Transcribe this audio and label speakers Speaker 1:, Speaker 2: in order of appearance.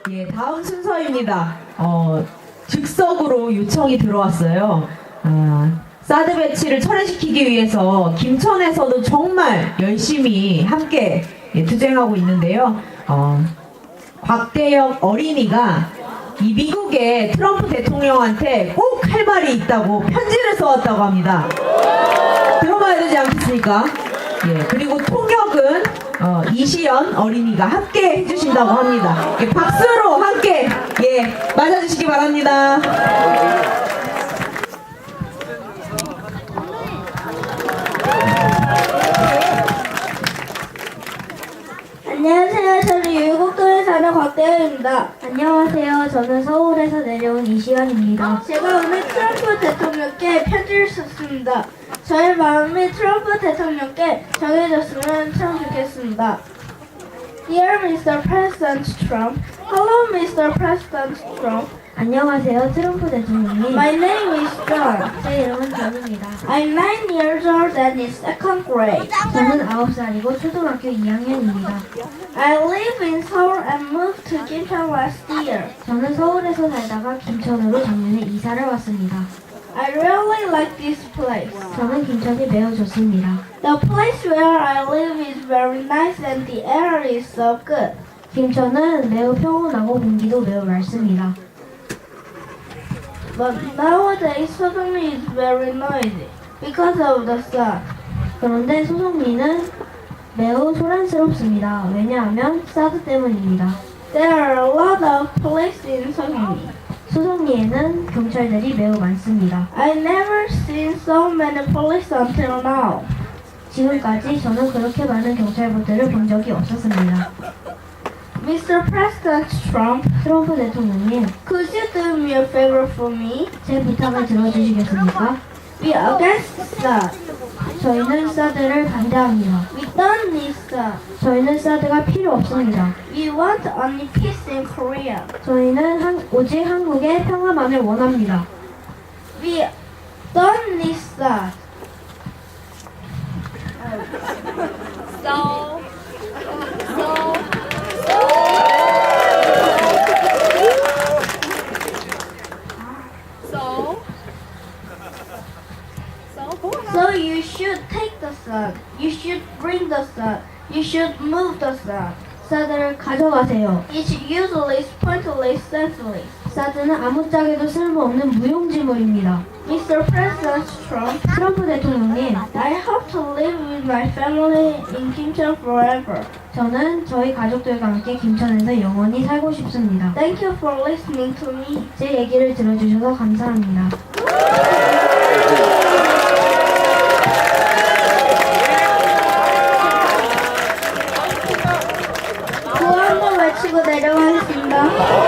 Speaker 1: 예, 다음 순서입니다. 즉석으로 요청이 들어왔어요. 사드 배치를 철회시키기 위해서 김천에서도 정말 열심히 함께 투쟁하고 있는데요. 곽대혁 어린이가 이 미국의 트럼프 대통령한테 꼭 할 말이 있다고 편지를 써왔다고 합니다. 들어봐야 되지 않겠습니까? 예, 그리고 통역은 이시연 어린이가 함께 해주신다고 합니다. 예, 박수로 함께 맞아주시기 바랍니다.
Speaker 2: 안녕하세요. 저는 율곡동에 사는 곽대현입니다.
Speaker 3: 안녕하세요. 저는 서울에서 내려온 이시연입니다.
Speaker 2: 제가 오늘 트럼프 대통령께 편지를 썼습니다. 저의 마음이 트럼프 대통령께 정해졌으면 참 좋겠습니다. Dear Mr. President Trump, Hello Mr. President Trump.
Speaker 3: 안녕하세요. 트럼프 대통령님.
Speaker 2: My name is John.
Speaker 3: 제 이름은 전입니다.
Speaker 2: I'm 9 years old and in second grade.
Speaker 3: 저는 9살이고 초등학교 2학년입니다.
Speaker 2: I live in Seoul and moved to Gimcheon last year.
Speaker 3: 저는 서울에서 살다가 김천으로 작년에 이사를 왔습니다.
Speaker 2: I really like this place.
Speaker 3: 저는 김천이 매우 좋습니다.
Speaker 2: The place where I live is very nice and the air is so good.
Speaker 3: 김천은 매우 평온하고 공기도 매우 맑습니다.
Speaker 2: But nowadays Soseongmi is very noisy because of the sun.
Speaker 3: 그런데 소송리는 매우 소란스럽습니다. 왜냐하면 사드 때문입니다.
Speaker 2: There are a lot of police in Soseongmi.
Speaker 3: 소송리에는 경찰들이 매우 많습니다.
Speaker 2: I never seen so many police until now.
Speaker 3: 지금까지 저는 그렇게 많은 경찰분들을 본 적이 없었습니다.
Speaker 2: Mr. President Trump,
Speaker 3: 트럼프 대통령님,
Speaker 2: could you do me a favor for me?
Speaker 3: 제 부탁을 들어주시겠습니까?
Speaker 2: We against SAD.
Speaker 3: 저희는 사드를 반대합니다.
Speaker 2: We don't need SAD.
Speaker 3: 저희는 사드가 필요 없습니다.
Speaker 2: We want only peace in Korea.
Speaker 3: 저희는 오직 한국의 평화만을 원합니다.
Speaker 2: We don't need SAD. So you should take the sun. You should bring the sun. You should move the sun.
Speaker 3: 사드를 가져가세요.
Speaker 2: It's useless, pointless, senseless.
Speaker 3: 사드는 아무짝에도 쓸모없는 무용지물입니다.
Speaker 2: Mr. President Trump,
Speaker 3: 트럼프 대통령님,
Speaker 2: I hope to live with my family in Kimcheon forever.
Speaker 3: 저는 저희 가족들과 함께 김천에서 영원히 살고 싶습니다.
Speaker 2: Thank you for listening to me.
Speaker 3: 제 얘기를 들어주셔서 감사합니다.
Speaker 2: 구호 한번 외치고 내려가겠습니다.